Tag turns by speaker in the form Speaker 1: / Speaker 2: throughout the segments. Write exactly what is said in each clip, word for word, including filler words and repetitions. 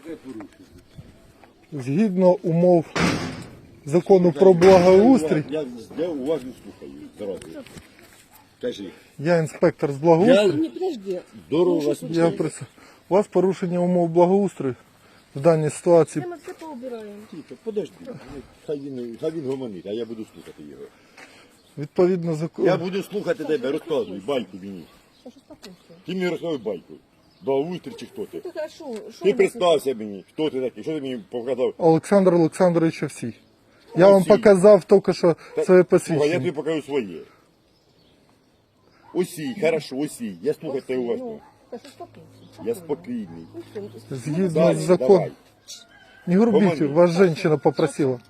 Speaker 1: Згідно умов закону про благоустрій,
Speaker 2: Я, я уважно слухаю. Зразу. Кажи.
Speaker 1: я інспектор з благоустрою.
Speaker 2: Я...
Speaker 3: Не, подожди.
Speaker 2: Здорово вас.
Speaker 1: Я прис... У вас порушення умов благоустрою в даній ситуації.
Speaker 3: Мы все поубираем.
Speaker 2: Тихо, подожди. Хай він, хай він гомонить, а я буду слухати його.
Speaker 1: Відповідно закону.
Speaker 2: Я буду слухати тебе, розказуй, байку мені.
Speaker 3: Саша, успокойся.
Speaker 2: Ти мені розказуй байку. Благоустрій чи хто ти?
Speaker 3: Ты хорошо. Шо
Speaker 2: Ти
Speaker 3: у нас
Speaker 2: представся мені, хто ти такий, що ти мені показав?
Speaker 1: Олександр Олександрович Овсій. Я вам
Speaker 2: Овсій.
Speaker 1: показав тільки що своє
Speaker 2: Слухай, я
Speaker 1: посвідчення.
Speaker 2: тобі покажу своє. Осій, хорошо, осій. Я слухаю тебе уважно.
Speaker 3: Ну, Саша, успокойся.
Speaker 2: Я спокійний.
Speaker 3: Ну, всё, ну,
Speaker 1: Згідно
Speaker 2: Далі,
Speaker 1: з законом.
Speaker 2: давай.
Speaker 1: Не грубіть,
Speaker 2: Гомони.
Speaker 1: вас жінка попросила.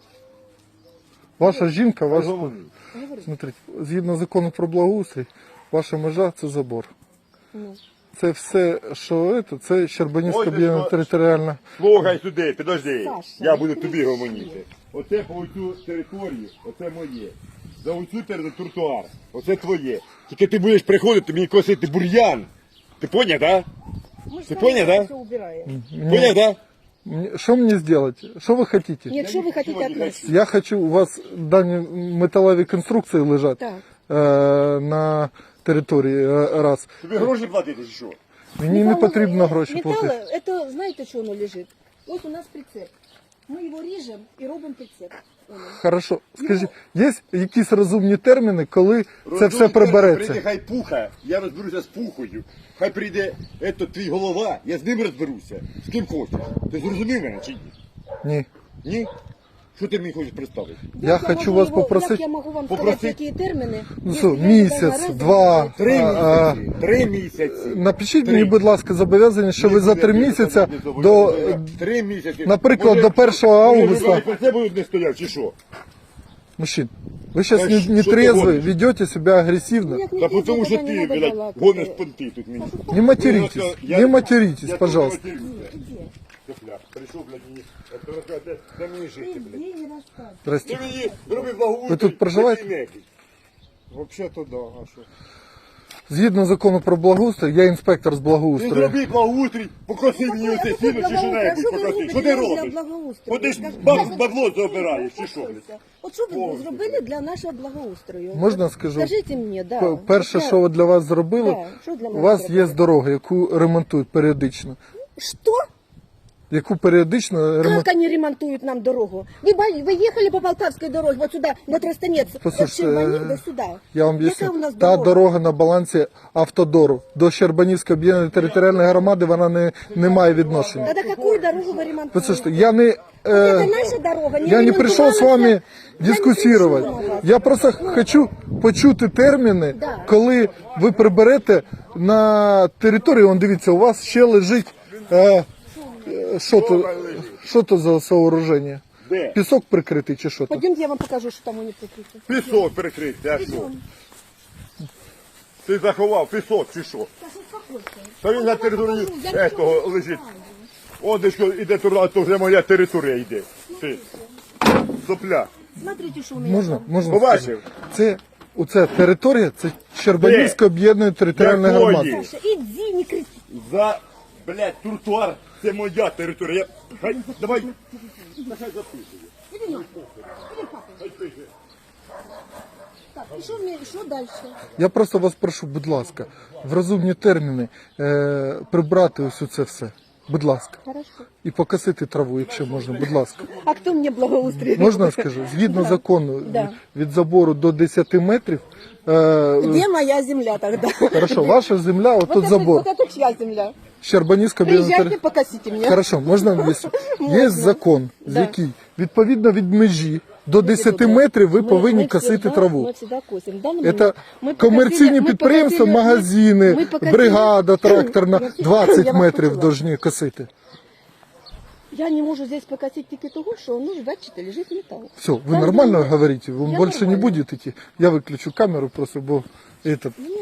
Speaker 1: Ваша жінка, ваш...
Speaker 2: Гомони.
Speaker 1: Смотрите, згідно закону про благоустрій, ваша межа – це забор.
Speaker 3: ну.
Speaker 1: Це все, що це, це Щербанівська
Speaker 2: Ой, ти
Speaker 1: об'єднана
Speaker 2: що?
Speaker 1: територіальна.
Speaker 2: Слухай сюди, підожди.
Speaker 3: Саша,
Speaker 2: Я буду тобі гомоніти. Оце по цю територію, оце моє. За оцю територію тротуар, оце твоє. Тільки ти будеш приходити мені косити бур'ян. Ти поняв, так?
Speaker 3: Мы же
Speaker 2: Ты
Speaker 3: с
Speaker 2: понял,
Speaker 3: вами
Speaker 2: да?
Speaker 3: все убираем.
Speaker 2: Поняв, так?
Speaker 1: Мені- Що мені зробити? Що ви хочете?
Speaker 3: Нет, что вы хотите от нас?
Speaker 1: Я хочу, у вас дані металеві конструкції лежать
Speaker 3: Так.
Speaker 1: е, на території е, раз.
Speaker 2: Тобі гроші платити чи що?
Speaker 1: Мені не потрібно гроші
Speaker 3: Металл,
Speaker 1: платити.
Speaker 3: это знаете, что оно лежит? Вот у нас прицеп. Мы его режем и робим прицеп. Оно.
Speaker 1: Хорошо. Скажіть, є якісь розумні терміни, коли це все прибереться?
Speaker 2: Прийде хай пуха, я розберуся з пухою. Хай прийде ето, твій голова, я з ним розберуся. З ким хочеш. Ти зрозумів мене чи ні?
Speaker 1: Ні.
Speaker 2: Ні? Що ти мені хочеш представити?
Speaker 1: Я
Speaker 3: Як
Speaker 1: хочу
Speaker 3: можу
Speaker 1: вас
Speaker 3: его-
Speaker 1: попросити-
Speaker 3: Як я можу вам
Speaker 2: Попросити-
Speaker 3: сказати, які терміни?
Speaker 1: Ну
Speaker 3: Якщо
Speaker 1: що,
Speaker 3: я
Speaker 1: місяць,
Speaker 3: не знаю,
Speaker 1: два.
Speaker 3: раз,
Speaker 2: Три
Speaker 1: А,
Speaker 2: місяці. Три місяці.
Speaker 1: Напишіть
Speaker 2: Три.
Speaker 1: мені, будь ласка, зобов'язання, що ви за три місяці до,
Speaker 2: Три місяці.
Speaker 1: наприклад,
Speaker 2: Може,
Speaker 1: до першого августа.
Speaker 2: Може, про це будуть не стояв, чи що?
Speaker 1: Мужчин, вы сейчас
Speaker 2: Да
Speaker 1: не,
Speaker 2: что
Speaker 1: не
Speaker 2: ты
Speaker 1: трезвы,
Speaker 2: гонишь?
Speaker 1: ведете себя агрессивно.
Speaker 3: Як не
Speaker 2: Та
Speaker 3: пізно,
Speaker 2: тому що
Speaker 3: тоді не
Speaker 2: ти,
Speaker 3: надо
Speaker 2: блядь,
Speaker 3: балакати.
Speaker 2: гониш понти тут мені.
Speaker 1: Не материтесь,
Speaker 2: Я-
Speaker 1: не материтесь,
Speaker 2: я
Speaker 1: пожалуйста.
Speaker 2: теж матерюся. Тепля, прийшов, блядь, мені. Це розказує, де мені жити, блядь.
Speaker 3: Ні, не розказуй.
Speaker 1: Здрасте.
Speaker 2: Ти мені роби благоустрій.
Speaker 1: Ви тут проживаєте?
Speaker 2: ти нехай.
Speaker 4: Вообще-то да, а що?
Speaker 1: Згідно закону про благоустрій, я інспектор з
Speaker 2: Ти
Speaker 1: благоустрою.
Speaker 2: зроби благоустрій, покоси мені
Speaker 3: Какой-
Speaker 2: оце
Speaker 3: какой
Speaker 2: сіно, чи що
Speaker 3: благоустрій?
Speaker 2: небудь
Speaker 3: А що ви
Speaker 2: покоси.
Speaker 3: робите
Speaker 2: Що ти
Speaker 3: для
Speaker 2: робиш?
Speaker 3: благоустрою?
Speaker 2: От ти ж
Speaker 3: Скажіть,
Speaker 2: баб-
Speaker 3: я-
Speaker 2: бабло забираєш, чи що, блядь?
Speaker 3: От що ви
Speaker 2: Повністю.
Speaker 3: зробили для нашого благоустрою?
Speaker 1: Можна
Speaker 3: От
Speaker 1: скажу?
Speaker 3: Скажіть мені, да.
Speaker 1: П- Перше,
Speaker 3: От я-
Speaker 1: що для вас зробили,
Speaker 3: Да, що для
Speaker 1: у
Speaker 3: мене
Speaker 1: вас
Speaker 3: зробили?
Speaker 1: є дорога, яку ремонтують періодично.
Speaker 3: Що?
Speaker 1: Яку періодично ремонтують.
Speaker 3: Как они ремонтуют нам дорогу? Вы, ба- вы ехали по Полтавской дороге, вот сюда, на Тростанец, от
Speaker 1: Послушайте,
Speaker 3: Щербанів
Speaker 1: е,
Speaker 3: до сюда.
Speaker 1: Я вам
Speaker 3: Яка у
Speaker 1: об'ясню.
Speaker 3: нас
Speaker 1: Та
Speaker 3: дорога?
Speaker 1: дорога на балансі автодору. До Щербанівської об'єднаної територіальної громади вона не, не має відношення.
Speaker 3: Тогда какую дорогу вы ремонтуете?
Speaker 1: Послушайте, я не...
Speaker 3: Это
Speaker 1: Е,
Speaker 3: наша дорога.
Speaker 1: Я не пришел с вами
Speaker 3: Я не
Speaker 1: дискуссировать.
Speaker 3: пришла на вас.
Speaker 1: Я просто хочу почути терміни,
Speaker 3: Да.
Speaker 1: коли ви приберете на територію. Он дивіться, у вас ще лежить. Е, е, що то, що то за сооруження?
Speaker 2: Де?
Speaker 1: Пісок прикритий чи що то?
Speaker 3: Пойдемте, я вам покажу, что там у них прикрыто.
Speaker 2: Пісок перекрити, а що? Ти заховав пісок чи що? Та він на території этого лежить. О, де що іде туди, то вже моя територія йде. Ти. Сопля.
Speaker 3: Смотрите, что у меня
Speaker 1: Можна?
Speaker 3: там.
Speaker 1: Можна
Speaker 2: Побачив?
Speaker 1: сказати? Це, оця територія, це Щербанівська об'єднана територіальна
Speaker 2: Якої?
Speaker 1: громада.
Speaker 3: Саша, иди, не кричи.
Speaker 2: За, блядь, тротуар, це моя територія. Я... Хай, давай. Нехай записує.
Speaker 3: Иди, на. Иди, папа.
Speaker 2: Хай пише.
Speaker 3: Так, и что мне, что дальше?
Speaker 1: Я просто вас прошу, будь ласка, в розумні терміни е, прибрати ось це все. Будь ласка.
Speaker 3: Хорошо.
Speaker 1: І покосити траву, якщо можна, будь ласка.
Speaker 3: А кто мне благоустроит?
Speaker 1: Можна я скажу? Згідно закону
Speaker 3: Да.
Speaker 1: від забору до десяти метрів, е,
Speaker 3: Где моя земля тогда?
Speaker 1: хорошо, ваша земля,
Speaker 3: Вот
Speaker 1: отут
Speaker 3: это,
Speaker 1: забор.
Speaker 3: вот это чья земля?
Speaker 1: Щербанівська об'єднана
Speaker 3: Приезжайте,
Speaker 1: територія.
Speaker 3: покосите меня.
Speaker 1: Хорошо, можна об'яснити? Є
Speaker 3: Можна.
Speaker 1: закон, з
Speaker 3: Да.
Speaker 1: який відповідно від межі до десяти метрів ви
Speaker 3: Ми-
Speaker 1: повинні
Speaker 3: ми
Speaker 1: косити
Speaker 3: всегда-
Speaker 1: траву.
Speaker 3: Ми всегда косимо. В даний
Speaker 1: Це
Speaker 3: момент ми
Speaker 1: комерційні
Speaker 3: покосили- ми
Speaker 1: підприємства,
Speaker 3: покосили-
Speaker 1: магазини,
Speaker 3: ми покосили-
Speaker 1: бригада тракторна
Speaker 3: Я всі-
Speaker 1: двадцять
Speaker 3: я вас
Speaker 1: метрів
Speaker 3: почула.
Speaker 1: повинні косити.
Speaker 3: Я не можу здесь покосить тільки того, що ну, бачите, лежить металл.
Speaker 1: Все, вы
Speaker 3: Там
Speaker 1: нормально
Speaker 3: где-
Speaker 1: говорите, вы
Speaker 3: Я
Speaker 1: больше не
Speaker 3: нормально.
Speaker 1: будете идти. Я выключу камеру просто, бо этот,
Speaker 3: Ні,